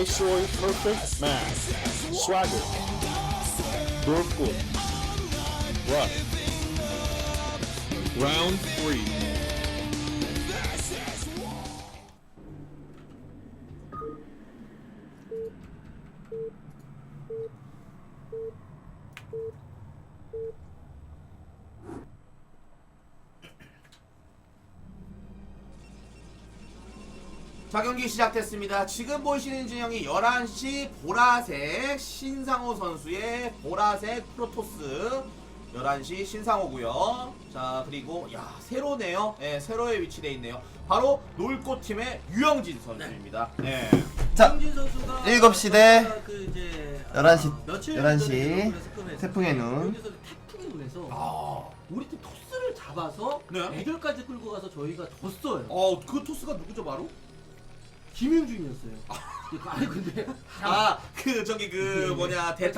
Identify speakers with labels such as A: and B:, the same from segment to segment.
A: Viceroy Perfect Mass, Swagger, Brookwood, Rush. Round 3.
B: 자, 경기 시작됐습니다. 지금 보이시는 진영이 11시 보라색 신상호 선수의 보라색 프로토스 11시 신상호고요. 자, 그리고 야, 세로네요. 예, 세로에 위치되어 있네요. 바로 놀꽃팀의 유영진 선수입니다. 네.
C: 자,
D: 유영진 선수가
C: 7시 대
D: 그 이제
C: 11시
D: 며칠
C: 11시
D: 전에
C: 태풍의 눈.
D: 유영진 선수 태풍의 눈에서 우리 팀 토스를 잡아서
B: 네.
D: 대결까지 끌고 가서 저희가 졌어요.
B: 그 토스가 누구죠, 바로?
D: 김윤중이었어요. 아니 근데
B: 저기
D: 예,
B: 뭐냐,
D: 예.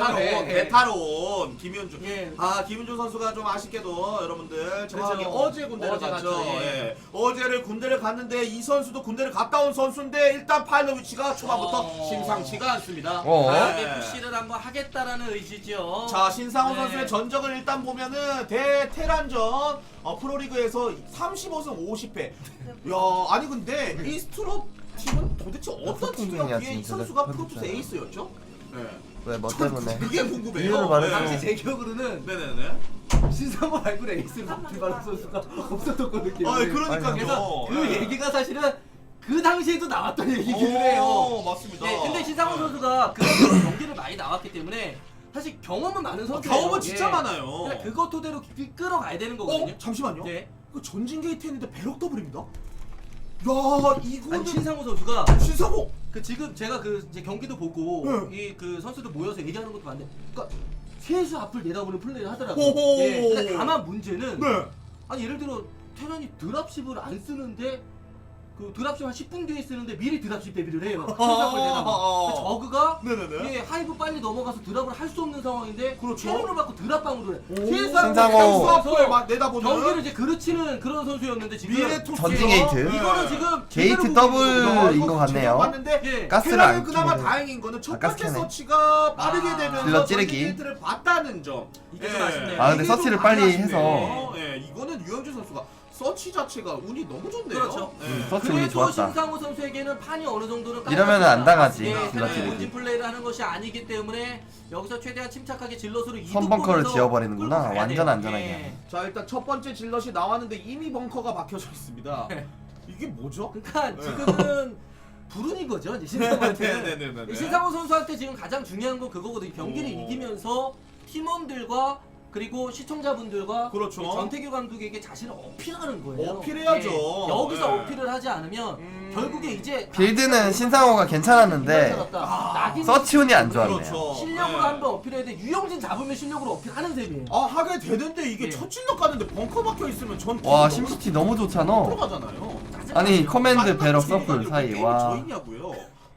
B: 대타론 김윤중.
D: 예.
B: 김윤중 선수가 좀 아쉽게도 여러분들 정확하게
D: 그렇죠.
B: 어제 군대를
D: 어제
B: 갔죠.
D: 갔죠. 예.
B: 예. 어제를 군대를 갔는데 이 선수도 군대를 갔다 온 선수인데 일단 파일럿 위치가 초반부터 심상치가 않습니다.
D: 강하게
B: 예.
D: 푸시를 한번 하겠다라는 의지죠.
B: 자, 신상호
D: 네.
B: 선수의 전적을 일단 보면은 대테란전 프로리그에서 35승 50패. 야, 아니 근데 이 스트로 팀은 도대체 어떤 팀이었기에 이
C: 진짜.
B: 선수가 프로토스 에이스였죠? 네.
C: 왜 뭐 때문에?
B: 그게 궁금해요.
C: 이유를 말해줘.
D: 당시 제 기억으로는
B: 네네네.
D: 신상호 말고 에이스를 맡은 바로 선수가 없었던 느낌이에요.
B: 그러니까요.
D: 그래서 그
B: 네.
D: 얘기가 사실은 그 당시에도 나왔던 얘기기는 해요.
B: 맞습니다.
D: 네, 근데 신상호 선수가 그 경기를 많이 나왔기 때문에 사실 경험은 많은 선수예요.
B: 경험은 진짜 많아요.
D: 그러니까 그것 토대로 끌어가야 되는 거거든요.
B: 잠시만요.
D: 네.
B: 그 전진 게이트 했는데 배럭 더블입니다. 야, 이거는
D: 아니 신상호 선수가
B: 신상호.
D: 그 지금 제가 그 이제 경기도 보고
B: 네.
D: 이 그 선수들 모여서 얘기하는 것도 봤는데, 그러니까 세수 앞을 내다보는 플레이를 하더라고요.
B: 호호.
D: 예. 근데 다만 문제는
B: 네.
D: 아니 예를 들어 테란이 드랍십을 안 쓰는데 그 드랍십 한 10분 뒤에 쓰는데 미리 드랍십 대비를 해요. 신상을 내다보. 저그가
B: 네네네.
D: 예, 하이브 빨리 넘어가서 드랍을 할 수 없는 상황인데
B: 그렇죠.
D: 캐논을 받고 드랍방으로 해.
C: 신상호.
B: 앞을 막 내다보는
D: 경기를 이제 그르치는 그런 선수였는데 지금
B: 미래 토스.
C: 전진 게이트.
D: 이거는 지금
C: 게이트
D: 제대로
C: 더블인 것 같네요.
B: 봤는데
D: 예.
C: 가스를
B: 테란은
C: 안
B: 그나마
C: 끼네.
B: 다행인 거는 첫
C: 가스
B: 번째
C: 캐네.
B: 서치가 빠르게
D: 아.
B: 되면서
C: 질러
B: 전진
C: 찌르기.
B: 게이트를 봤다는 점.
D: 이게 좀 아쉽네요.
C: 아, 근데
B: 이게 좀
C: 서치를
B: 많이
C: 빨리
B: 아쉽네요.
C: 해서.
B: 예, 이거는 유영준 선수가 서치 자체가 운이 너무 좋네요.
D: 그렇죠.
B: 예.
C: 서치 운이
D: 그래도
C: 좋았다.
D: 신상호 선수에게는 판이 어느 정도는
C: 이러면은 안 당하지,
D: 네,
C: 질럿
D: 본진 플레이를 하는 것이 아니기 때문에 여기서 최대한 침착하게 질럿으로 이득
C: 선벙커를
D: 보면서
C: 지어버리는구나.
D: 끌고 가야
C: 완전
D: 돼요.
C: 안전하게.
D: 예.
B: 자, 일단 첫 번째 질럿이 나왔는데 이미 벙커가 박혀져 있습니다. 이게 뭐죠?
D: 그러니까 지금은 불운인 거죠, 이제 신상호한테.
B: 네네네네.
D: 신상호 선수한테 지금 가장 중요한 건 그거거든요. 경기를 이기면서 팀원들과 그리고 시청자분들과
B: 그렇죠.
D: 전태규 감독에게 자신을 어필하는 거예요.
B: 어필해야죠.
D: 예. 여기서
B: 예.
D: 어필을 하지 않으면 결국에 이제
C: 빌드는 신상호가 괜찮았는데
D: 낙인
C: 서치 운이 안 좋았네요.
B: 그렇죠.
D: 실력으로
B: 예.
D: 한번 어필해야 돼. 유영진 잡으면 실력으로 어필하는 셈이에요.
B: 하게 되는데 이게
D: 예.
B: 첫 질럿 가는데 벙커 박혀 있으면 전
C: 와, 심시티 너무 좋잖아.
B: 들어가잖아요.
C: 아니, 커맨드
B: 짜증나는
C: 배럭
B: 질럿
C: 서플
B: 아니고
C: 사이.
B: 게임이
C: 와.
B: 저 있냐고요.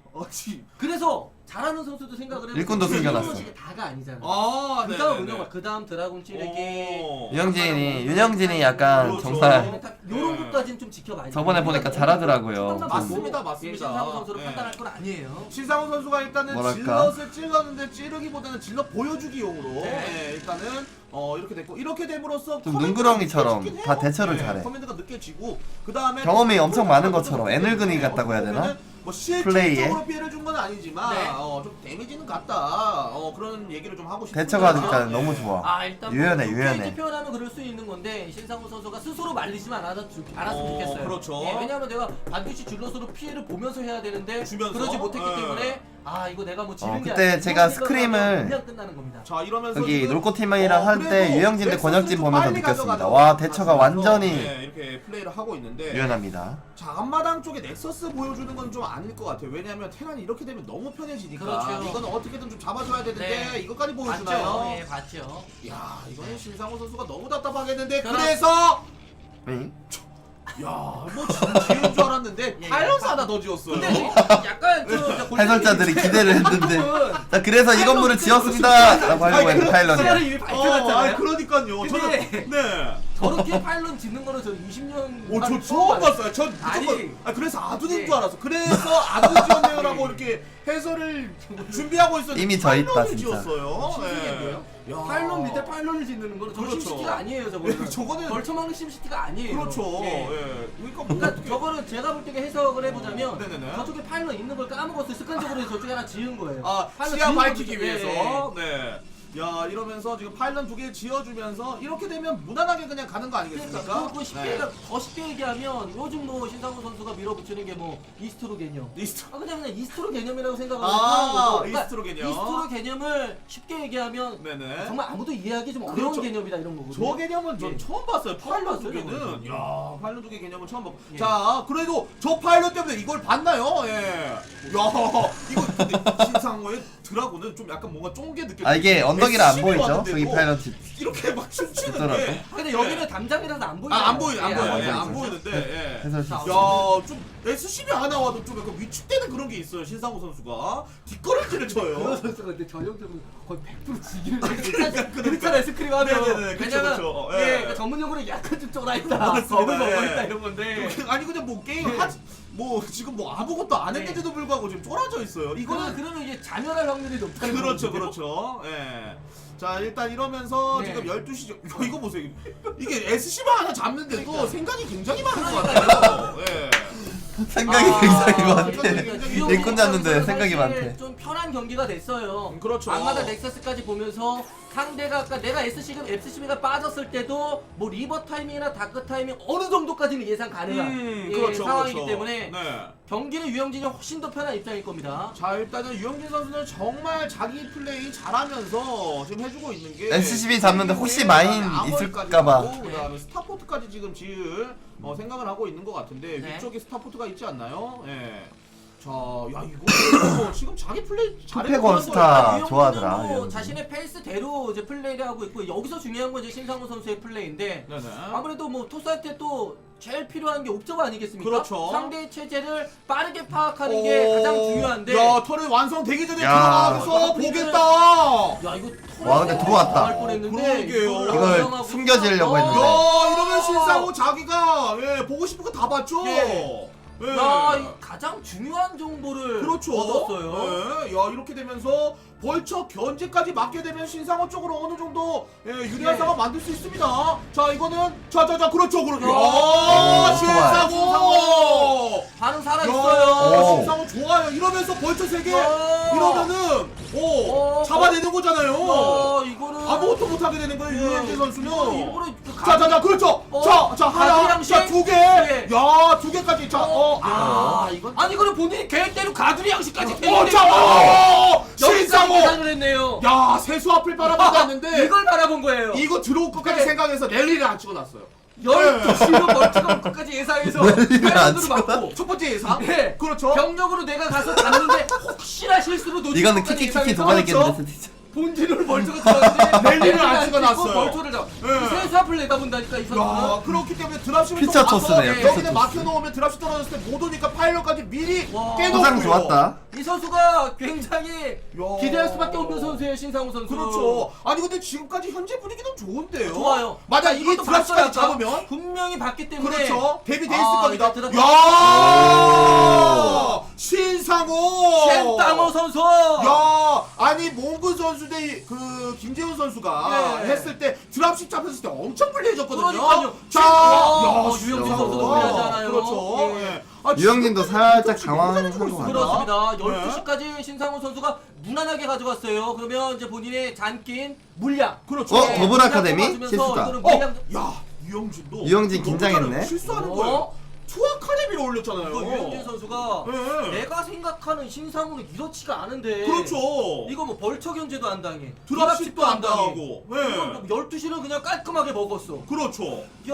D: 그래서 잘하는 선수도 생각을 해보고
C: 일꾼도 숨겨놨어.
D: 이게 다가 아니잖아.
B: 네.
D: 그다음 운영, 그다음 드라곤 찌르기.
C: 윤영진이 약간
B: 그렇죠.
C: 정말
D: 이런 것까지는 좀 지켜봐야 돼.
C: 저번에 보니까 잘하더라고요.
B: 맞습니다, 맞습니다.
D: 신상호 선수를
B: 예.
D: 판단할 건 아니에요.
B: 신상훈 선수가 일단은
C: 뭐랄까?
B: 질럿을 찔렀는데 찌르기보다는 질럿 보여주기용으로
D: 네.
B: 일단은 이렇게 됐고, 이렇게 됨으로써
C: 좀
B: 커맨드가
C: 눈구렁이처럼
B: 느껴지긴
C: 다
B: 해요.
C: 대처를 잘해.
B: 커맨드가 느껴지고 그 다음에
C: 경험이 엄청 많은 것처럼 애늙은이 같다고 해야 되나?
B: 뭐
C: 플레이에?
B: 실질적으로 피해를 준 건 아니지만
D: 네.
B: 좀 데미지는 같다. 그런 얘기를 좀 하고 싶습니다.
C: 대처가 일단
B: 예.
C: 너무 좋아.
D: 일단
C: 유연해,
D: 뭐
C: 유연해.
D: 좋게 표현하면 그럴 수 있는 건데 신상호 선수가 스스로 말리지만 않았으면 좋겠어요.
B: 그렇죠.
D: 예, 왜냐하면 내가 반드시 줄럿으로 피해를 보면서 해야 되는데
B: 주면서?
D: 그러지 못했기
B: 예.
D: 때문에 이거 내가 뭐 지는 게
C: 그때
D: 아니라
C: 제가
D: 이런 생각을
C: 스크림을
D: 하면 그냥 끝나는 겁니다.
B: 자, 이러면서
C: 여기
B: 지금,
C: 놀코팀이랑 할 때
B: 그래도
C: 유영진 대
B: 넥서스를
C: 권혁진
B: 좀
C: 보면서
B: 빨리
C: 느꼈습니다.
B: 가져가서
C: 와, 대처가 완전히
B: 이렇게 플레이를 하고 있는데
C: 유연합니다.
B: 자, 앞마당 쪽에 넥서스 보여주는 건 좀 아닐 것 같아요. 왜냐하면 테란이 이렇게 되면 너무 편해지니까
D: 그렇죠.
B: 이거는 어떻게든 좀 잡아줘야 되는데
D: 네.
B: 이것까지
D: 봤죠?
B: 보여주나요?
D: 예, 봤죠.
B: 야, 이거는 신상호 선수가 너무 답답하겠는데
D: 그럼-
B: 그래서
C: 응?
B: 뭐 지은 줄 알았는데
D: 예,
B: 파일럿
D: 예.
B: 하나 더 지었어요.
D: 근데 약간
C: 해설자들이 기대를 했는데 자, 그래서 이 건물을 지었습니다 라고 하려고 했는데 파일럿이야.
D: 이미 발표했잖아요.
B: 그러니까요.
D: 근데-
B: 저는 네.
D: 저렇게 파일럿 짓는 거는 저 20년.
B: 오, 저 처음 봤어요. 전
D: 아니.
B: 무조건 그래서 아둔인
D: 예.
B: 줄 알았어. 그래서 아둔 지었네요라고 이렇게 해설을 준비하고 있었는데
C: 이미 저 있다,
B: 파일럿을
C: 진짜.
B: 지었어요.
D: 신기한데요?
B: 예. 야.
D: 파일럿 밑에 파일럿을 짓는 거는 저
B: 그렇죠.
D: 심시티가 아니에요, 저거는.
B: 예, 저거는
D: 벌처먹는 심시티가 아니에요.
B: 그렇죠.
D: 예.
B: 예. 그러니까 뭐
D: 그러니까
B: 어떻게
D: 저거는 제가 볼 때 해석을 해보자면
B: 네네네.
D: 저쪽에 파일럿 있는 걸 까먹었어요. 습관적으로 저쪽에 하나 지은 거예요.
B: 시야
D: 지은
B: 밝히기
D: 거죠.
B: 위해서.
D: 예.
B: 네. 야, 이러면서 지금 파일럿 2개 지어주면서 이렇게 되면 무난하게 그냥 가는 거
D: 그러니까
B: 아니겠습니까?
D: 그거 쉽게
B: 네.
D: 더 쉽게 얘기하면 요즘 뭐 신상훈 선수가 밀어붙이는 게 뭐 이스트로 개념.
B: 리스트.
D: 그냥 이스트로 개념이라고 생각을
B: 아,
D: 하는 거고.
B: 이스트로 개념.
D: 이스트로 개념을 쉽게 얘기하면
B: 네네.
D: 정말 아무도 이해하기 좀 어려운
B: 그렇죠.
D: 개념이다 이런 거거든요.
B: 저 개념은 전
D: 예.
B: 처음 봤어요. 파일럿 두
D: 봤어요,
B: 개는.
D: 저는.
B: 야, 파일럿 두 개 개념은 처음 봤고.
D: 예.
B: 자, 그래도 저 파일럿 때문에 이걸 봤나요? 예. 야, 이거 근데 신상호의 드라군은 좀 약간 뭔가 쫑게 느껴.
C: 아 이게 언덕이라 안 보이죠? 저기 파일럿
B: 이렇게 막 춤추는데.
D: 근데 여기는 담장이라서 안 보여요.
B: 안 보이, 안
D: 예,
B: 보여,
D: 안
B: 예,
D: 보여요.
B: 안 보이는데. 예.
C: 해설
D: 자,
C: 실수.
B: 야, 좀 SCB 하나 와도 좀 약간 위축되는 그런 게 있어요. 신상호 선수가 뒷걸음질을
D: 그런
B: 쳐요.
D: 선수가 근데 전형적으로 거의 100% 지기를
B: 그러니까.
D: 그렇잖아요 스크림 하면.
B: 네네네, 그쵸,
D: 왜냐면
B: 그쵸.
D: 예,
B: 예.
D: 그러니까 전문용어로 약간 좀 쫄아 있다.
B: 맞습니다.
D: 겁을 먹어
B: 예.
D: 있다 이런 건데.
B: 아니 그냥 뭐 게임 하지 뭐 지금 뭐 아무것도 안 했는데도 불구하고 지금 쫄아져 있어요. 이거는
D: 그러면 이게 자멸할 확률이 높다는
B: 그렇죠,
D: 거거든요.
B: 그렇죠. 예. 자 일단 이러면서
D: 네.
B: 지금 12시 이거 보세요. 이게 SC만 하나 잡는데도
D: 그러니까.
B: 생각이 굉장히 많은 것 같아요. 예.
C: 생각이 굉장히 많대.
B: 굉장히
C: 일꾼 잡는데 생각이
D: 사실
C: 많대.
D: 좀 편한 경기가 됐어요.
B: 그렇죠.
D: 악마다 넥서스까지 보면서 상대가 아까 내가 SCB가 빠졌을 때도 뭐 리버 타이밍이나 다크 타이밍 어느 정도까지는 예상 가능한
B: 그렇죠,
D: 상황이기
B: 그렇죠.
D: 때문에
B: 네.
D: 경기는 유영진이 훨씬 더 편한 입장일 겁니다.
B: 자 일단은 유영진 선수는 정말 자기 플레이 잘하면서 지금 해주고 있는 게
C: SCB 잡는데 혹시 마인 있을까봐.
B: 그다음에 스타포트까지 지금 지을 생각을 하고 있는 것 같은데
D: 네.
B: 위쪽에 스타포트가 있지 않나요? 예. 자, 야 이거 지금 자기 플레이
C: 투패건 스타.
D: 유영진은
C: 좋아하더라,
D: 뭐
C: 유영진.
D: 자신의 페이스대로 이제 플레이를 하고 있고 여기서 중요한 건 이제 신상호 선수의 플레이인데
B: 네네.
D: 아무래도 뭐 토스한테 또 제일 필요한 게 옵저버 아니겠습니까?
B: 그렇죠.
D: 상대의 체제를 빠르게 파악하는 게 가장 중요한데.
B: 야 턴을 완성되기 전에
C: 야.
B: 들어가서 보겠다.
D: 야 이거
C: 와, 근데 들어왔다.
D: 나갈 뻔했는데
B: 그러게요.
C: 이걸
D: 활용하고
C: 숨겨지려고
D: 있어.
C: 했는데.
B: 야 이러면 신상호 자기가 보고 싶은 거 다 봤죠.
D: 예.
B: 예.
D: 야, 이 가장 중요한 정보를
B: 그렇죠.
D: 얻었어요.
B: 예. 야 이렇게 되면서 벌처 견제까지 맞게 되면 신상호 쪽으로 어느 정도 유리한
D: 예.
B: 상황 만들 수 있습니다. 자 이거는 자자자 그렇죠 그렇죠.
D: 야,
B: 신상호.
D: 반응 살아
B: 야,
D: 있어요.
B: 신상호 좋아요. 이러면서 벌처 3개
D: 야.
B: 이러면은 잡아내는 거잖아요.
D: 이거는
B: 아무것도 못하게 되는 거예요 유현진 선수는.
D: 일부러 그
B: 자자자 그렇죠. 자 하나,
D: 가두리
B: 자
D: 양식?
B: 2개,
D: 예.
B: 야 2개까지 자
D: 이건 아니 이거는 본인이 계획대로 가두리 양식까지
B: 신상호.
D: 계산을 했네요.
B: 야 세수 앞을 바라봤는데
D: 이걸 바라본 거예요.
B: 이거 들어올 것까지
D: 네.
B: 생각해서 랠리를 안 찍어놨어요.
D: 12시로 멀티가 올 것까지 예상해서
C: 랠리를 안
D: 패런으로 맞고
B: 첫 번째 예상.
D: 네.
B: 그렇죠.
D: 병력으로 내가 가서 잡는데 혹시나 실수로 놓칠
C: 이거는
D: 것까지
C: 키키키키 더
D: 예상해서
C: 받았겠는데 진짜.
D: 본진으로 멀티가 들어왔는데
B: 랠리를 안 찍어놨어요.
D: 멀티를 잡.
B: 네.
D: 세수 앞을 내다본다니까 이
B: 야
D: 선수는.
B: 그렇기 때문에 드랍십을
C: 피처
B: 또
C: 토스네요,
B: 가서
C: 피처
B: 여기다
C: 토스.
B: 막혀놓으면 드랍십 떨어졌을 때 못 오니까 파일럿까지 미리
D: 와.
B: 깨놓고요.
C: 포상 좋았다.
D: 이 선수가 굉장히 기대할 수밖에 없는 선수예요, 신상우 선수.
B: 그렇죠. 아니 근데 지금까지 현재 분위기는 좋은데요.
D: 좋아요.
B: 맞아 이게
D: 이것도
B: 드랍십까지
D: 봤어요, 아까.
B: 잡으면
D: 분명히 봤기 때문에.
B: 그렇죠. 데뷔돼 있을
D: 아,
B: 겁니다.
D: 이제
B: 야 신상호.
D: 첸땅호 선수.
B: 야 아니 몽구 선수 대 그 김재훈 선수가
D: 예.
B: 했을 때 드랍십 잡혔을 때 엄청 불리해졌거든요.
D: 그러니까요.
B: 자,
D: 유영진 선수도
C: 야.
D: 불리하잖아요.
B: 그렇죠.
D: 예.
B: 예. 아,
C: 유영진도
B: 지금까지
C: 살짝
B: 진짜 너무
C: 당황한
B: 잘해주고
C: 것
B: 있습니다.
D: 그렇습니다.
B: 네.
D: 12시까지 신상훈 선수가 무난하게 가져갔어요. 그러면 이제 본인의 잔낀 물량.
B: 그렇죠.
C: 더블 아카데미? 실수다.
D: 이거는 물량.
B: 야 유영진도
C: 유영진
B: 너무
C: 긴장했네.
B: 잘해요. 실수하는
D: 어?
B: 거예요. 투 아카데미를 올렸잖아요.
D: 이거 유영진 선수가
B: 예.
D: 내가 생각하는 신상훈은 이렇지가 않은데.
B: 그렇죠.
D: 이거 뭐 벌처 견제도 안 당해.
B: 드랍십도 안 당하고. 예.
D: 12시는 그냥 깔끔하게 먹었어.
B: 그렇죠.
D: 야.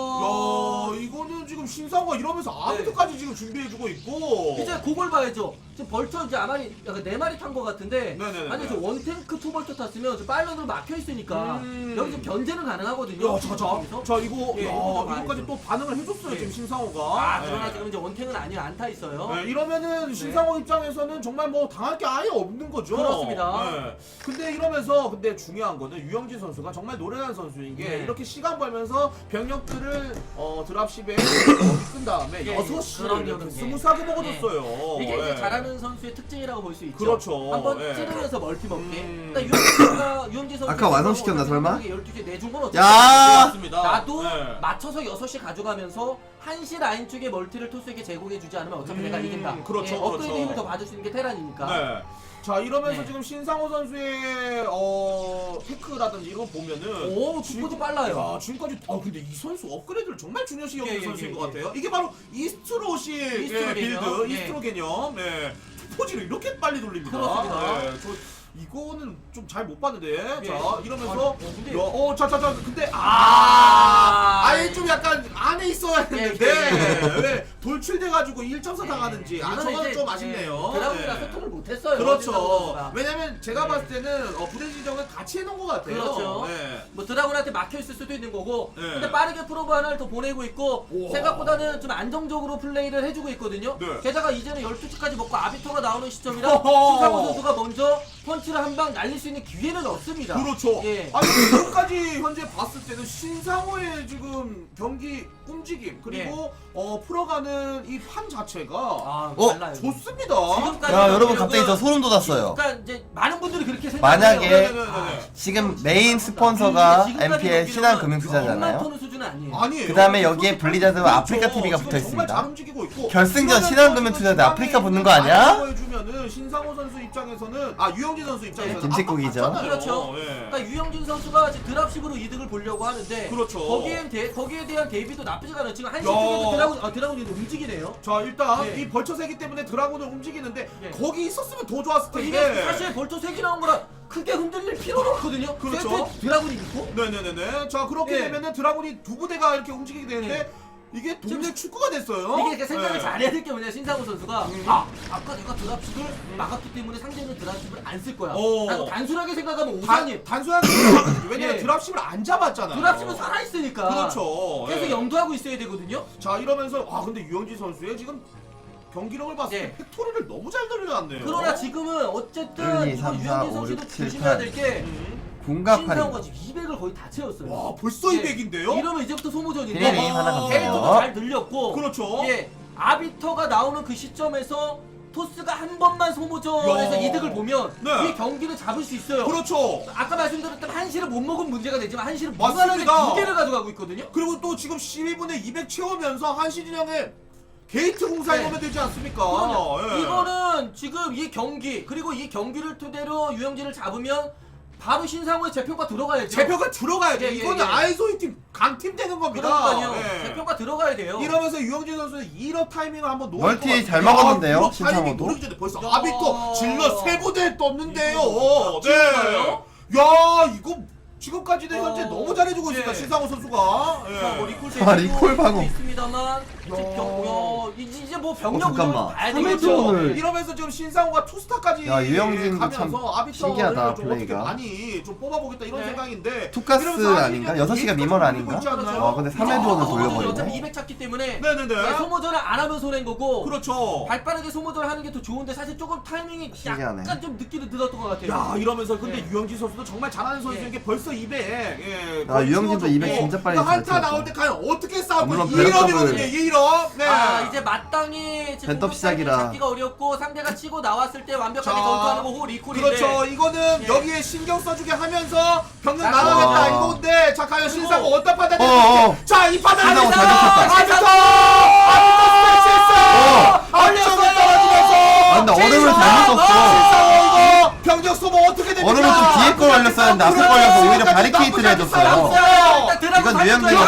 B: 야 이거는 지금 신상호가 이러면서 아무튼까지 지금 준비해주고 있고.
D: 이제 그걸 봐야죠. 지금 벌처 이제 아마 약간 4마리 탄 것 같은데
B: 네네네.
D: 아니 저 원탱크 투벌처 탔으면 저 파일런으로 막혀 있으니까 여기 좀 견제는 가능하거든요.
B: 야, 자 이거
D: 예,
B: 야,
D: 이것도
B: 이거까지
D: 봐야죠.
B: 또 반응을 해줬어요
D: 예.
B: 지금 신상호가.
D: 아 그러나 지금 이제 원탱은 아니에요. 안 타 있어요.
B: 네, 이러면은 신상호 입장에서는 정말 뭐 당할 게 아예 없는 거죠.
D: 그렇습니다.
B: 네. 근데 이러면서 근데 중요한 거는 유영진 선수가 정말 노련한 선수인 게
D: 네.
B: 이렇게 시간 벌면서 병력들을 드랍십에 끈 다음에
D: 예,
B: 6시를
D: 그럼요,
B: 이렇게
D: 그럼요.
B: 스무스하게 먹어줬어요.
D: 이게 이제
B: 예.
D: 잘하는 선수의 특징이라고 볼 수 있죠.
B: 그렇죠.
D: 한번
B: 예.
D: 찌르면서 멀티 먹게.
B: 음.
D: 그러니까 유영진 선수
C: 아까 완성시켰나, 설마?
D: 12시에 내준 건 어떻게?
C: 야!
B: 맞습니다.
D: 나도
B: 네.
D: 맞춰서 6시 가져가면서 1시 라인 쪽에 멀티를 토스에게 제공해주지 않으면 어차피 내가 이긴다.
B: 그렇죠,
D: 예, 업그레이드
B: 그렇죠.
D: 힘을 더 받을 수 있는 게 테란이니까.
B: 네. 자 이러면서
D: 네.
B: 지금 신상호 선수의 테크라든지 이런 거 보면은
D: 오, 속도도 빨라요.
B: 야, 지금까지 근데 이 선수 업그레이드를 정말 중요시 여기는
D: 예,
B: 선수인
D: 예,
B: 것 같아요. 이게 바로 이스트로식
D: 이스트로
B: 빌드,
D: 개념. 예.
B: 이스트로 개념. 네. 포지를 이렇게 빨리 돌립니다.
D: 그렇습니다.
B: 네, 저 이거는 좀 잘 못 봤는데.
D: 예.
B: 자 이러면서
D: 근데
B: 자자자 근데 아예 좀 약간 안에 있어야 했는데
D: 예.
B: 왜 돌출돼가지고 1.4 당하는지 저건 좀 아쉽네요.
D: 드라군이랑
B: 네.
D: 소통을 못했어요.
B: 그렇죠.
D: 선수가.
B: 왜냐면 제가
D: 네.
B: 봤을 때는 부대 지정을 같이 해놓은 것 같아요.
D: 그렇죠.
B: 네.
D: 뭐 드라군한테 막혀 있을 수도 있는 거고,
B: 네.
D: 근데 빠르게 프로브 하나를 더 보내고 있고
B: 우와.
D: 생각보다는 좀 안정적으로 플레이를 해주고 있거든요.
B: 네.
D: 게다가 이제는 12시까지 먹고 아비토가 나오는 시점이라
B: 허허.
D: 신상호 선수가 먼저 펀치를 한 방 날릴 수 있는 기회는 없습니다.
B: 그렇죠.
D: 예.
B: 아니 지금까지 현재 봤을 때는 신상호의 지금 경기 움직임 그리고 풀어가는 이 판 자체가
D: 아, 달라요.
B: 좋습니다.
D: 지금까지
C: 야 여러분
D: 경기력은-
C: 갑자기 저 소름 돋았어요.
D: 그러니까 이제 많은 분들이 그렇게 생각해요.
C: 만약에
B: 네네네네.
C: 지금 메인 스폰서가 MPL 신한금융투자잖아요.
D: 토는 수준은 아니에요.
B: 아니에요.
C: 그 다음에 여기에
B: 그렇죠.
C: 블리자드와 아프리카 TV가
B: 지금
C: 붙어
B: 정말 잘
C: 있습니다.
B: 움직이고 있고
C: 결승전 신한금융투자인데 아프리카 붙는 거 아니야?
B: 해주면은 신상호 선수 입장에서는 유영진 선수 입장에서는
C: 김칫국이죠.
B: 맞잖아요.
D: 그렇죠.
B: 예.
D: 그러니까 유영진 선수가 이제 드랍십으로 이득을 보려고 하는데
B: 그렇죠.
D: 거기에 대한 대비도 나쁘지가 않아요. 지금 한시
B: 야.
D: 쪽에도 드라군이 움직이네요.
B: 자 일단
D: 예.
B: 이 벌처세기 때문에 드라군을 움직이는데
D: 예.
B: 거기 있었으면 더 좋았을 텐데.
D: 이게 사실 벌써 3개 나온 거라 크게 흔들릴 필요는 없거든요.
B: 그렇죠.
D: 세트 드라군이 있고.
B: 네네네네. 자 그렇게
D: 예.
B: 되면은 드라군이 두 부대가 이렇게 움직이게 되는데 이게 동네 축구가 됐어요.
D: 이게 이렇게 생각을
B: 네.
D: 잘해야 될 게 뭐냐 신상호 선수가 아까 내가 드랍십을 막았기 때문에 상대는 드랍십을 안 쓸 거야.
B: 오.
D: 라고 단순하게 생각하면 오산이
B: 단순하게 왜냐면
D: 예.
B: 드랍십을 안 잡았잖아요.
D: 드랍십은 살아있으니까
B: 그렇죠.
D: 계속
B: 예.
D: 염두하고 있어야 되거든요.
B: 자 이러면서 근데 유영진 선수의 지금 경기력을 봤을
D: 예.
B: 때 팩토리를 너무 잘 돌려놨네요.
D: 그러나 지금은 어쨌든
C: 1, 2, 3,
D: 이거
C: 4,
D: 유현진
C: 5,
D: 선수도
C: 6, 7,
D: 조심해야
C: 8.
D: 될 게
C: 공가팔이
D: 신상호가 지금 200을 거의 다 채웠어요.
B: 와 벌써
D: 예.
B: 200인데요?
D: 이러면 이제부터 소모전인데
C: 비네님 하나 감사해요.
D: 캐릭터도 잘 늘렸고
B: 그렇죠.
D: 예, 아비터가 나오는 그 시점에서 토스가 한 번만 소모전에서
B: 야.
D: 이득을 보면
B: 네.
D: 이 경기를 잡을 수 있어요.
B: 그렇죠.
D: 아까 말씀드렸던 한시를 못 먹은 문제가 되지만 한시를
B: 맞습니다.
D: 무난하게 2개를 가져가고 있거든요.
B: 그리고 또 지금 12분에 200 채우면서 한시진영의 게이트 공사에
D: 네.
B: 오면 되지 않습니까?
D: 그럼요.
B: 예.
D: 이거는 지금 이 경기 그리고 이 경기를 토대로 유영진을 잡으면 바로 신상호의 재평가 들어가야죠.
B: 재표가 들어가야 돼.
D: 예, 예,
B: 이거는
D: 예.
B: 아이소이 팀 강팀 되는 겁니다.
D: 그러니까요.
B: 예.
D: 재평가 들어가야 돼요.
B: 이러면서 유영진 선수는 1업 타이밍을 한번 노릴
C: 멀티
B: 것 같아요.
C: 잘 먹었는데요,
B: 1업 타이밍
C: 신상호도?
B: 노리기 전에 벌써
D: 야.
B: 아비토 질러 세 부대 떴는데요.
D: 이거
B: 네.
D: 진짜요?
B: 야 이거 지금까지는 현재 너무 잘해주고 있습니다.
D: 예.
B: 신상호 선수가.
D: 뭐
B: 예.
D: 리콜
C: 리콜 방어.
D: 있습니다만 이제 뭐 병력
C: 잠깐만.
D: 운영을 봐야
C: 삼회전
D: 되겠죠.
C: 오늘-
B: 이러면서 지금 신상호가 투스타까지
C: 야, 유영진도
B: 가면서
C: 참
B: 아비터를
C: 신기하다,
B: 좀 어떻게
C: 플레이가.
B: 많이 좀 뽑아보겠다 이런
D: 네.
B: 생각인데
C: 투가스
B: 이러면서
C: 아닌가?
B: 아시죠?
C: 6시가 미멀
B: 게이트까지
C: 아닌가?
B: 돌리고 있지 않나요?
C: 아, 근데 3회전을
D: 어차피
C: 돌려버리네.
D: 200 찾기 때문에
B: 네네네.
D: 소모전을 안 하면 손해인 거고
B: 그렇죠.
D: 발빠르게 소모전을 하는 게 더 좋은데 사실 조금 타이밍이
C: 신기하네.
D: 약간 좀 늦기는 늦었던 것 같아요.
B: 야 이러면서 근데
D: 예.
B: 유영진 선수도 정말 잘하는 선수인 게 벌써 200. 예,
C: 아, 유영진도 200 진짜 빨리 잘
B: 한타 나올
C: 채웠어.
B: 때 과연 어떻게 싸우고
C: 물론
B: 2일업이거든요.
C: 배럭업을-
B: 2일업. 네.
D: 이제 마땅히 지금
C: 벤톱 시작이라.
D: 잡기가 어렵고 상대가 치고 나왔을 때 완벽하게
B: 자,
D: 전투하는 거 호 리콜인데
B: 그렇죠. 이거는
D: 예.
B: 여기에 신경 써주게 하면서 병력
D: 자,
B: 나가겠다
C: 와.
B: 이건데 자 과연 신상호 어떤 판단이
C: 어어.
B: 자 이 판단
C: 신상호 잘
B: 아비터
C: 어.
B: 앞쪽에 떨어지면서
C: 아, 근데 얼음을 잘못 썼어.
B: 신상호 이거 병력 소모 어떻게 됩니까?
C: 얼음을 좀 뒤에 걸 올렸어야 했는데 앞에 걸려서 오히려 바리케이트를 해줬어요. 이건 유영진이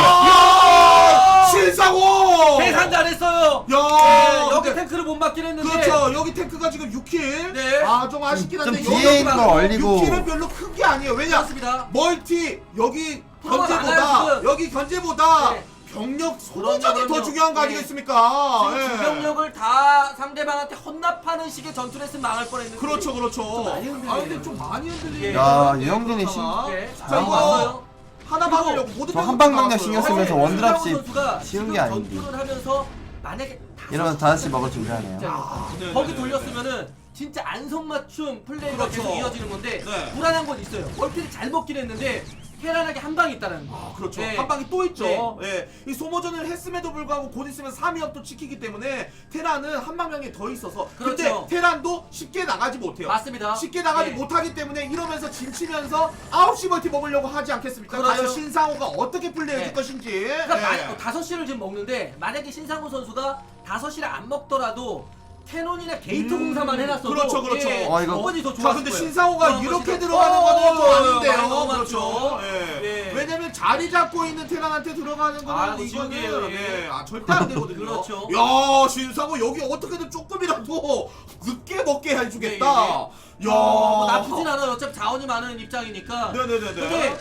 B: 신상호
D: 계산 잘했어요.
B: 야
D: 여기 탱크를 못 맞긴 했는데
B: 그렇죠. 여기 탱크가 지금 6킬.
D: 네.
B: 좀 아쉽긴 한데
C: 좀 뒤에 있는 걸 얼리고
B: 6킬은 별로 큰 게 아니에요. 왜냐?
D: 그렇습니다.
B: 멀티 여기
D: 프로가
B: 견제보다
D: 많아요, 지금.
B: 여기 견제보다
D: 네.
B: 병력 소모전이 더
D: 그럼요.
B: 중요한 거
D: 예.
B: 아니겠습니까?
D: 지금
B: 예.
D: 주병력을 다 상대방한테 혼납하는 식의 전투를 했으면 망할 뻔했는데.
B: 그렇죠, 그렇죠.
D: 많이 흔들리네요.
B: 아 근데 좀 많이 흔들리네요.
C: 야,
B: 네,
C: 유영진이
B: 그렇다가.
D: 네.
B: 자
C: 잘
B: 이거
D: 봤어요.
B: 하나 막으려고 모든
C: 저 한방
B: 병력이
C: 강력 신경
B: 나왔어요.
C: 쓰면서
D: 네,
C: 원드랍십
D: 신상호 선수가
C: 쉬운
D: 지금
C: 게 아닌데.
D: 전투를 하면서 만약에
C: 이러면서 5시 먹을 준비하네요.
B: 네,
D: 거기
B: 네,
D: 돌렸으면은 진짜 안성맞춤 플레이가
B: 그렇죠.
D: 계속 이어지는 건데
B: 네.
D: 불안한 건 있어요. 멀티를 잘 먹긴 했는데 테란하게 한 방이 있다는 거.
B: 아, 그렇죠.
D: 네.
B: 한 방이 또 있죠.
D: 네.
B: 예. 이 소모전을 했음에도 불구하고 곧 있으면 3위업도 지키기 때문에 테란은 한 방향이 더 있어서 근데
D: 그렇죠.
B: 테란도 쉽게 나가지 못해요.
D: 맞습니다.
B: 쉽게 나가지
D: 네.
B: 못하기 때문에 이러면서 진치면서 9시 멀티 먹으려고 하지 않겠습니까?
D: 그렇죠.
B: 과연 신상호가 어떻게 플레이해줄
D: 네.
B: 것인지.
D: 그러니까
B: 예.
D: 5시를 지금 먹는데 만약에 신상호 선수가 5시를 안 먹더라도 캐논이나 게이트 공사만 해놨어도
B: 그렇죠, 그렇죠.
C: 이거-
D: 충분히 더
B: 자
D: 좋았을
B: 근데
D: 거예요.
B: 신상호가
D: 그런
B: 이렇게
D: 것이
B: 들어가는
D: 더-
B: 거는 좀 아닌데요.
D: 많이
B: 그렇죠.
D: 넘어갔죠.
B: 예.
D: 예.
B: 왜냐면 자리 잡고 있는 테란한테 들어가는 거는
D: 아,
B: 이거는
D: 지옥이에요, 예.
B: 아, 절대 안 되거든요.
D: 그렇죠.
B: 야 신상호 여기 어떻게든 조금이라도 늦게 먹게 해주겠다.
D: 예,
B: 야
D: 뭐 나쁘진 않아요. 어차피 자원이 많은 입장이니까.
B: 네네네네.
D: 근데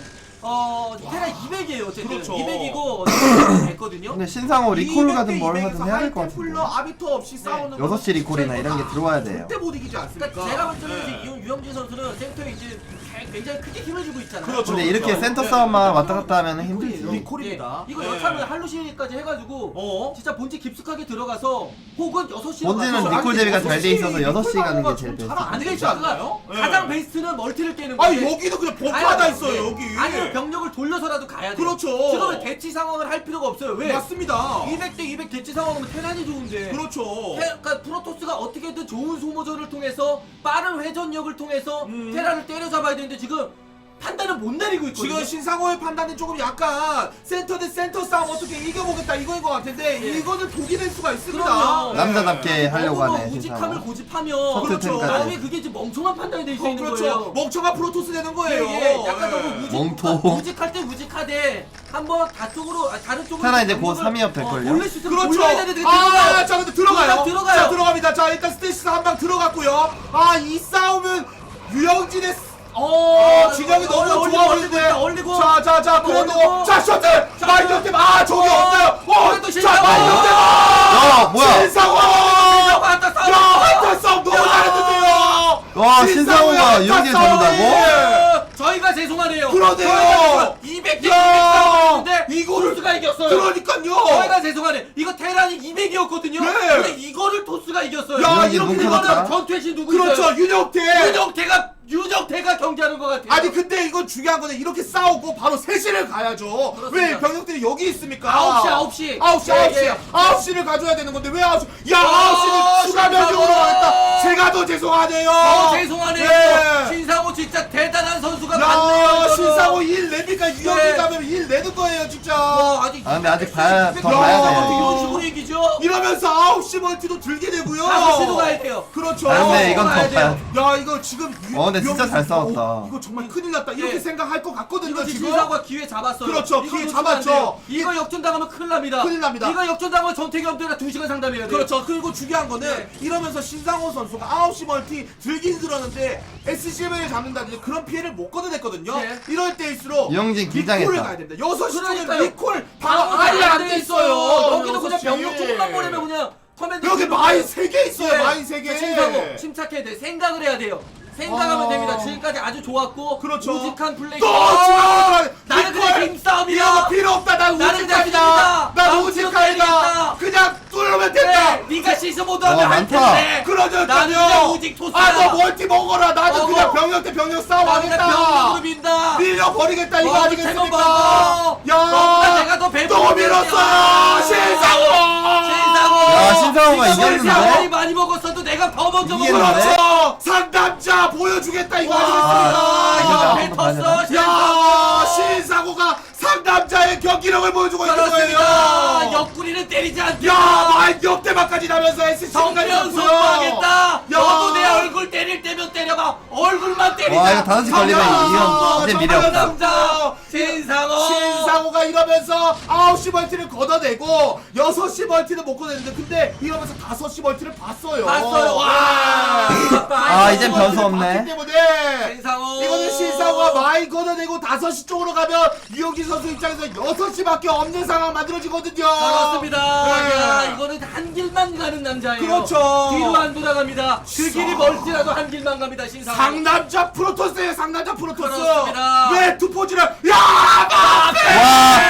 D: 테라 200이에요. 어쨌든
B: 그렇죠.
D: 200이고 됐거든요.
C: 근데 신상호 리콜 가든
B: 200대
C: 뭘
B: 200에서
C: 하든 해야 될 것
B: 하이템플러
C: 같은데.
B: 아비터 없이 싸우는
C: 6시 리콜이나 이런 게 들어와야 돼요.
B: 절대 못 이기지 않습니까?
D: 그러니까 제가 볼 때는
B: 네.
D: 이제 유영진 선수는 센터에 이제 굉장히 크게 힘을 주고 있잖아요.
B: 그렇죠.
C: 근데 이렇게 센터 싸움만 왔다 갔다 하면 힘들지.
B: 리콜입니다.
D: 이거
B: 네.
D: 여차하면 할루시까지 해가지고
B: 어?
D: 진짜 본지 깊숙하게 들어가서 혹은 6시로
C: 본진은
D: 가서
C: 리콜 대비가 잘 돼 있어서 6시
B: 리콜
C: 가는 게
B: 방어가
C: 제일
B: 좀
C: 베스트.
B: 잘안 되지 않나요? 예.
D: 가장 베스트는 멀티를 깨는
B: 아니
D: 건데
B: 여기도 그냥
D: 가야
B: 벙커 하나
D: 돼요.
B: 있어요
D: 네.
B: 여기.
D: 아니면 병력을 돌려서라도 가야 돼요.
B: 그렇죠.
D: 지금은 대치 상황을 할 필요가 없어요. 왜?
B: 맞습니다.
D: 200대 200 대치 상황이면 테란이 좋은데.
B: 그렇죠.
D: 그러니까 프로토스가 어떻게든 좋은 소모전을 통해서 빠른 회전력을 통해서
B: 음.
D: 테란을 때려잡아야 되는데 지금 판단을 못 내리고 있거든요.
B: 지금 신상호의 판단은 조금 약간 센터 대 센터 싸움 어떻게 이겨보겠다 이거인 것 같은데
D: 예.
B: 이거는 독이 될 수가 있습니다.
D: 그럼요.
C: 남자답게 하려고
D: 너무
C: 하네
D: 우직함을
C: 신상호.
D: 고집하면
B: 그렇죠.
D: 나중에 그게 이제 멍청한 판단이 될 수 있는
B: 그렇죠.
D: 거예요.
B: 멍청한 프로토스 되는 거예요.
D: 예, 약간
B: 예.
D: 너무
C: 멍토.
D: 우직할 때 우직하되 한번 다쪽으로 다른 쪽으로
C: 테라 이제 곧
D: 공격을,
C: 3위업 될걸요?
D: 돌릴 수 있으면
B: 그렇죠.
D: 돌려야 되는데
B: 아, 자 근데 들어가요.
D: 들어가요.
B: 자 들어갑니다. 자 일단 스테이시스 한 방 들어갔고요. 아 이 싸움은 유영진의 진영이 너무 좋아 보이는데.
D: 올리고
B: 자 그래도
D: 올리고.
B: 자 셔틀 마이너템 아 저기 없어요.
D: 그래도
B: 자
D: 신상호.
B: 마이너템
C: 야 뭐야?
B: 신상호.
D: 왔다 싸워.
B: 야 한타 싸움 너무 잘했는데요.
C: 와 신상호가 유영진 잡는다고?
D: 저희가 죄송하네요.
B: 그러네요.
D: 200대 200
B: 야,
D: 싸움했는데
B: 이거를
D: 토스가 이겼어요.
B: 그러니까요.
D: 저희가 죄송하네. 이거 테란이 200이었거든요.
B: 네.
D: 근데 이거를 토스가 이겼어요.
B: 야,
C: 유영진
B: 이렇게
C: 눈
B: 되면은
C: 크다.
D: 전투의 신 누구
B: 그렇죠
D: 있어요?
B: 윤영태.
D: 유정태가 경기하는 것 같아요.
B: 아니 근데 이건 중요한 거는 이렇게 싸우고 바로 3시를 가야죠.
D: 그렇습니다.
B: 왜 병력들이 여기 있습니까?
D: 9시.
B: 9시를 가져야 되는 건데 왜 9시? 야
D: 아,
B: 9시는 추가
D: 신상호.
B: 변경으로 가겠다. 제가 더 죄송하네요.
D: 죄송하네요.
B: 네.
D: 신상호 진짜 대단한 선수가 많네요.
B: 야
D: 이거는.
B: 신상호 1 내니까 유영진
D: 네.
B: 가면 1 내는 거예요 진짜.
D: 아직
C: 아, 근데 아직 봐야- 더
B: 봐야
D: 어떻게
B: 돼요.
D: 이런 식으로 이기죠?
B: 이러면서 9시 멀티도 들게 되고요.
D: 5시도 가야 돼요.
B: 그렇죠.
C: 아 근데 이건
D: 가야
C: 더
D: 돼요.
C: 봐야
B: 야 이거 지금
C: 근데 진짜
B: 유영진
C: 잘
B: 선수,
C: 싸웠다.
B: 이거 정말 큰일 났다 이렇게
D: 예.
B: 생각할 것 같거든요
D: 이거
B: 지금.
D: 신상호가 기회 잡았어요.
B: 그렇죠,
D: 이거
B: 기회
D: 놓치면
B: 잡았죠.
D: 안 돼요. 이거 역전당하면 큰일 납니다.
B: 큰일 납니다.
D: 이거 역전당하면 전태기 형들이랑 2시간 상담해야 돼요.
B: 그렇죠. 그리고 중요한 거는
D: 네.
B: 이러면서 신상호 선수가 9시 멀티 들긴 들었는데 SCM을 잡는다든지 그런 피해를 못 거둬냈거든요.
D: 네.
B: 이럴 때일수록
C: 유영진
B: 리콜을
C: 긴장했다.
B: 가야 됩니다. 6시 쪽에
D: 그러니까요.
B: 리콜 방어 아예
D: 안
B: 안 돼 있어요.
D: 여기도 그냥
B: 6시.
D: 병력 조금만 보내면 그냥 커맨드
B: 여기
D: 치고
B: 마인 3개 있어요.
D: 네.
B: 마인 3개.
D: 신상호 침착해야 돼. 생각을 해야 돼요. 생각하면 됩니다. 지금까지 아주 좋았고
B: 그렇죠.
D: 우직한 플레이.
B: 또 지금
D: 나는 그냥 힘싸움이야.
B: 이거 필요 없다. 난
D: 나는 그냥
B: 우직합니다.
D: 힘이다.
B: 난
D: 난
B: 우직합니다.
D: 우직합니다.
B: 그냥 뚫으면 된다.
D: 네, 네가 시스모드 하면
C: 와,
D: 할
C: 많다.
D: 텐데.
B: 그러죠.
D: 나는 그냥 우직 토스야.
B: 아너 멀티 먹어라. 나는
D: 먹어.
B: 그냥 병력 대 병력 싸움
D: 나는 그냥 병력으로
B: 하겠다.
D: 민다.
B: 밀려버리겠다 이거
D: 먹어,
B: 아니겠습니까?
D: 먹어. 너보다 내가 더 배부른
B: 또 밀었어요. 신상호.
C: 야, 신상호가
D: 네가
C: 이겼는데?
D: 아무리 많이 먹었어도 내가 더 먼저
C: 이겼는데?
D: 먹었어.
B: 그렇죠. 상담자 보여주겠다 이거
D: 와,
B: 아니겠습니까?
D: 옆에 텄어.
B: 야 신상호가 상담자의 경기력을 보여주고 있는
D: 그렇습니다.
B: 거예요.
D: 옆구리는 때리지 않게.
B: 야 마인 역대박까지 나면서 SC까지
D: 정면 선포하겠다. 너도 내 얼굴 때릴 때면 때려봐. 얼굴만 때리자.
C: 와 이거 5시 걸리면 이건 이제 미래 없다.
D: 상담자 신상호.
B: 신상호가 신상호가 이러면서 9시 멀티를 걷어내고 6시 멀티는 못 걷어내는데 근데 이러면서 5시 멀티를 봤어요.
D: 봤어요. 와.
C: 아, 이젠 변수 없네.
B: 봤기 때문에
D: 신상호.
B: 이거는 신상호가 많이 걷어내고 5시 쪽으로 가면 유영진 선수 입장에서 6시밖에 없는 상황 만들어지거든요.
D: 그렇습니다.
B: 네.
D: 야, 이거는 한 길만 가는 남자예요.
B: 그렇죠.
D: 뒤로 안 돌아갑니다. 그 길이 멀지라도 한 길만 갑니다. 신상호.
B: 상남자 프로토스예요. 상남자 프로토스.
D: 그렇습니다.
B: 왜 투포지를 야 마페
C: 와.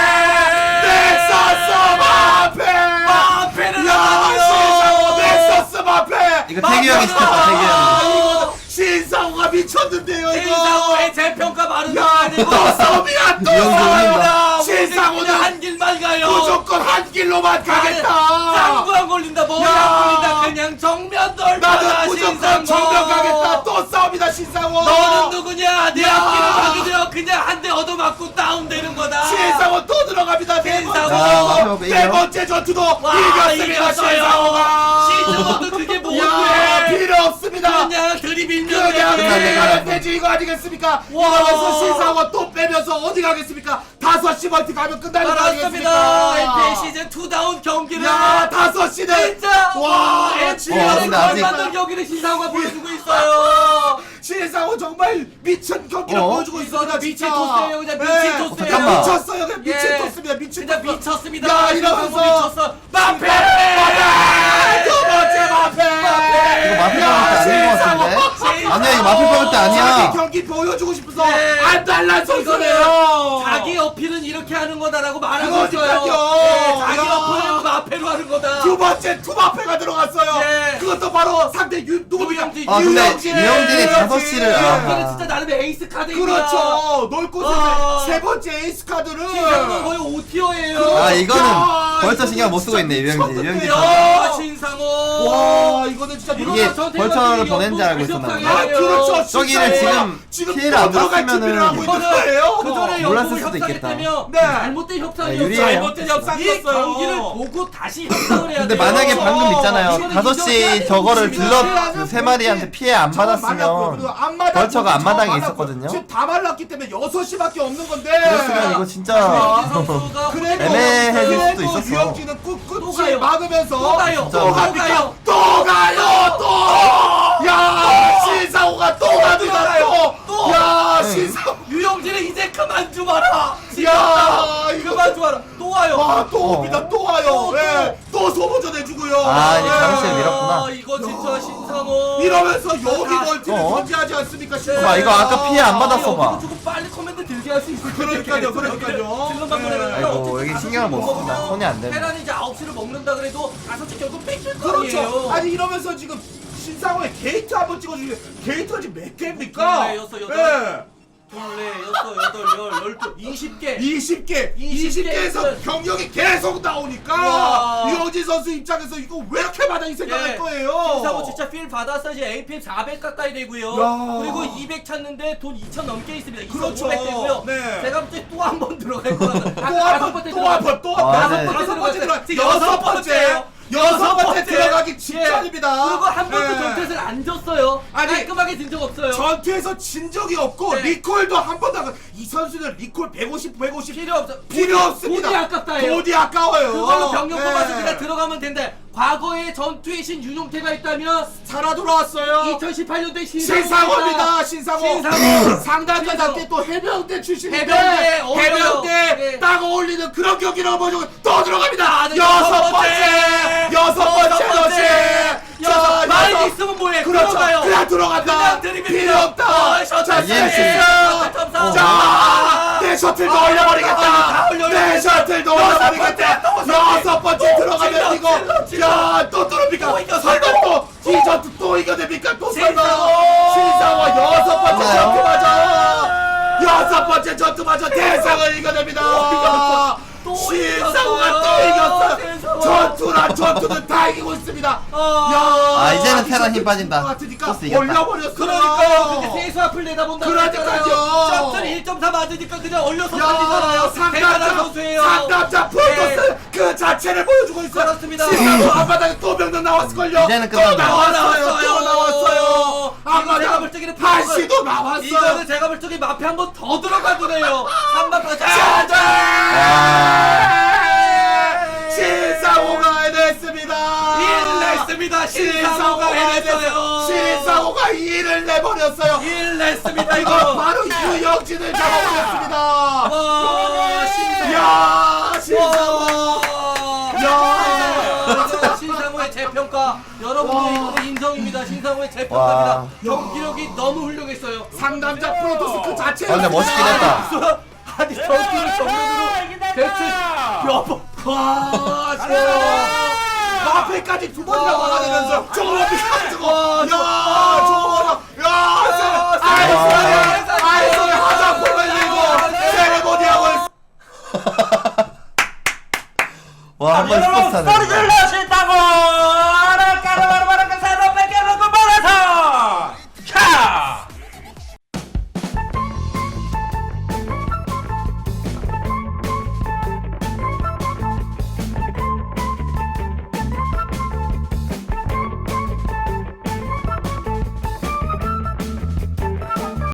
B: 넥서스 마페
D: 마페를
B: 야 신상호 넥서스 마페
C: 이거 태규 형이 시켰다, 태규 형이.
B: 이거 신상호가 미쳤는데요 이거.
D: 신상호의 재평가 많은
B: 야또 싸움이야 또
C: 이영도
B: 싸움이야.
D: 신상호는
B: 신상호는
D: 한 길만 가요.
B: 무조건 한 길로만 가겠다.
D: 짱구 안 걸린다. 머리
B: 야.
D: 안 걸린다. 그냥 정면 돌파다.
B: 나는 무조건
D: 신상호.
B: 정면 가겠다. 또 싸움이다 신상호.
D: 너는 누구냐? 내
B: 야.
D: 앞길을 막으려 그냥 한 대 얻어맞고 다운되는 거다.
B: 신상호 또 들어갑니다.
D: 신상호.
B: 네 번째 전투도
D: 와,
B: 이겼습니다. 신상호가.
D: 시즌1도 그게
B: 야
D: 뭔데?
B: 필요 없습니다.
D: 그냥 드리블면
B: 그냥
D: 돼.
B: 달려가면 되지 이거 아니겠습니까?
D: 와.
B: 이러면서 신상호가 또 빼면서 어디 가겠습니까? 5시 멀티 가면 끝나는 거
D: 알았습니다.
B: 아니겠습니까?
D: NBA 시즌 2다운 경기를
B: 야 5시는
D: 진짜
B: 와
D: NBA의
C: 근데 아직-
D: 걸맞는 경기를 신상호가 보여주고 있어요.
B: 신상호 정말 미친 경기를 보여주고 있습니다.
D: 미친
B: 진짜.
D: 토스예요. 그냥
B: 네.
D: 미친 토스예요.
C: 잠깐만.
B: 미쳤어요. 그냥 미친
D: 예.
B: 토스입니다. 미친
D: 진짜
B: 토스.
D: 미쳤습니다.
B: 야
D: 신상호
B: 이러면서
D: 미쳤어.
B: 마페
D: 마페!
B: 두 번째 마페
C: 이거 마필 뽑을 때 아닌 것 같은데? 아니야, 이거 마필 뽑을 때 아니야.
B: 자기 경기 보여주고 싶어서
D: 네.
B: 안달난 선수네요.
D: 자기 어필은 이렇게 하는 거다라고 말하고
B: 그러니까요.
D: 있어요. 네, 자기
B: 야.
D: 어필은 마페로 하는 거다.
B: 두 번째 투마페가 들어갔어요.
D: 예.
B: 그것도 바로 상대 누구입니까?
D: 유영진.
C: 아, 근데
B: 유영진.
C: 유영진이 5시를, 아.
D: 이거는 진짜 나름 에이스 카드입니다.
B: 그렇죠. 놀 곳에
D: 아.
B: 세 번째 에이스 카드를.
D: 신상호 거의 오티어예요.
C: 아, 이거는
B: 야,
C: 벌써
B: 이거
C: 신경 못 쓰고 있네, 유영진.
B: 미쳤는데요.
C: 유영진.
D: 야, 신상호.
B: 와 이거는 진짜
C: 이게 벌처를 보낸 줄 알고 있었나 보네.
B: 아 그렇죠.
C: 저기를
B: 진짜예요.
C: 지금 피해를 안
B: 들어갈
C: 봤으면은-
B: 준비를 하고 있는 거예요.
D: 그 전에
C: 몰랐을
D: 연봉을
C: 수도 있겠다.
D: 협상했다며
B: 네.
D: 잘못된 협상이었어요.
C: 유리해요.
B: 잘못된 협상
D: 이
B: 썼어요.
D: 경기를 보고 다시 협상을 해야
C: 근데
D: 돼요.
C: 만약에 방금 있잖아요.
D: 이거는
C: 5시 저거를 딜러 그 세 마리한테 피해 안 받았으면 벌처가 앞마당에 있었거든요.
B: 지금 다 말랐기 때문에 6시밖에 없는 건데.
C: 그랬으면 이거 진짜
D: 유영진 선수가
B: 그래도
C: 애매해질 수도 있었어.
B: 유영진은
D: 또
B: 꿋꿋이
D: 가요.
B: 막으면서
D: 또 가요.
C: 진짜.
D: 또
B: 갑니까?
D: 가요.
B: 또 가요. 또. 야 신상호가 또 갑니다. 또. 야
C: 네.
B: 신상호.
D: 유영진은 이제 그만 좀 와라.
B: 야 이거
D: 그만 좀 와라. 또 와요.
B: 와또 옵니다. 또 와요.
D: 또.
B: 네. 또 소모전 해주고요.
C: 아, 이제
B: 네.
C: 장시를 밀었구나.
D: 이거 진짜 신상호.
B: 이러면서 여기 멀티를
C: 어?
B: 존재하지 않습니까?
C: 봐, 이거 아까 피해 안 받았어, 봐.
D: 조금 빨리 커맨드 들게 할 수 있을
B: 그러니까요, 그러니까요.
D: 질문 방문해가지고
C: 아이고,
D: 어쨌든
C: 여기
D: 다섯
C: 신경을 못
D: 시를
C: 쓴다.
D: 먹으면
C: 손이 안 되네.
D: 테란이 이제 9시를 먹는다 그래도 5시 결국 뺏길 거
B: 그렇죠.
D: 아니에요.
B: 아니 이러면서 지금 신상호의 게이트 한번 찍어주세요. 게이트가 지금 몇 개입니까?
D: 네, 여섯, 여덟.
B: 네.
D: 둘레, 여섯, 여덟, 20개.
B: 20개, 20개에서 경력이 계속 나오니까
D: 와.
B: 유영진 선수 입장에서 이거 왜 이렇게 많이 생각할
D: 예.
B: 거예요.
D: 신상호 진짜 필 받았어. 이제 APM 400 가까이 되고요.
B: 야.
D: 그리고 200 찾는데 돈 2,000 넘게 있습니다.
B: 그렇죠.
D: 2,500 되고요.
B: 네.
D: 제가 볼 때 또 한 번 들어갈 것 같아요.
B: 또 한
C: 아,
B: 번,
C: 네.
B: 다섯 번째 들어가.
D: 지금
B: 여섯 번째 들어가기 직전입니다.
D: 그리고 한 번도
B: 네.
D: 전투에서는 안 졌어요.
B: 아니,
D: 깔끔하게 진 적 없어요.
B: 전투에서 진 적이 없고
D: 네.
B: 리콜도 한 번도 안 가. 이 선수는 리콜 150
D: 필요 없어.
B: 필요 없습니다.
D: 돈이 아깝다예요.
B: 돈이 아까워요.
D: 그걸로 병력
B: 네.
D: 뽑아서 그냥 들어가면 된다. 과거에 전투의 신 윤용태가 있다면
B: 살아 돌아왔어요.
D: 2018년도에
B: 신상호입니다. 신상호.
D: 신상호.
B: 상단자답게 또 해병대 출신인데
D: 해병대, 어려요.
B: 해병대
D: 네.
B: 딱 어울리는 그런 경기를 보여주고 또 들어갑니다.
D: 네,
B: 여섯 번째 러시. 자,
D: 많이
B: 여섯.
D: 있으면 뭐해?
B: 그렇죠.
D: 들어가요.
B: 그냥 들어간다.
D: 그냥 드리블
B: 필요 없다.
D: 셔틀
C: EMC.
B: 자, 내 셔틀도 올려버리겠다.
D: 다 올려버리겠다.
B: 내 셔틀도 올려버리겠다. 여섯 번째 들어가면 이거 야또 뚫습니까?
D: 또 이겼어.
B: 설마 또이 전투 또 이겨냅니까? 또 설마
D: 신상호.
B: 신상호 여섯 번째
C: 맞아요.
B: 전투마저 여섯 번째 전투마저 대상을 이겨냅니다.
D: 또
B: 신상호가
D: 이겼어요.
B: 또 이겼어.
D: 신상호.
B: 전투는 다 이기고 있습니다. 야,
C: 아, 이제는 테란 힘 빠진다.
B: 같으니까
C: 토스 이겼다.
B: 올려버렸어요.
D: 그러니까요. 근데 세수 앞을 내다본다.
B: 그러니까요.
D: 셔틀 1.4 맞으니까 그냥 올려서
B: 야,
D: 달리잖아요. 대단한 선수예요.
B: 상남자 프로토스 그 자체를 보여주고 있어요.
D: 그렇습니다.
B: 신상호 앞바닥에 또 병력 나왔을걸요.
C: 이제는
B: 또
C: 끝났네.
B: 나왔어요.
D: 나왔어요.
B: 또 나왔어요.
D: 이거 제가 볼 적에는
B: 다시도 나왔어요.
D: 이거는 제가 볼 적에 마피 한 번 더 들어가도 돼요. 3번
B: 짜잔!
C: 아.
B: 신상호가 해냈습니다.
D: 일 냈습니다. 신상호가 해냈어요.
B: 신상호가 1을 내버렸어요.
D: 일 냈습니다
B: 이거
D: 이거.
B: 바로 유영진을 잡아버렸습니다.
D: 와 신상호.
B: 야 신상호. 야.
D: 신상호의 재평가 여러분들 이거는 인정입니다. 신상호의 재평가입니다.
C: 와.
D: 경기력이 너무 훌륭했어요.
B: 상남자 프로토스 그 자체.
C: 근데 멋있긴 했다.
D: 아니 경기를 정면으로 대체 몇 번? 와 진짜.
B: 앞에까지 두 번이나 막아내면서 저겁니까 저거. 야
D: 와,
B: 저거. 야 아이소리 화장품을 들고 세레모니하고.
C: 와, 한 번 스포츠 타네.
A: 소리 질러 싫다고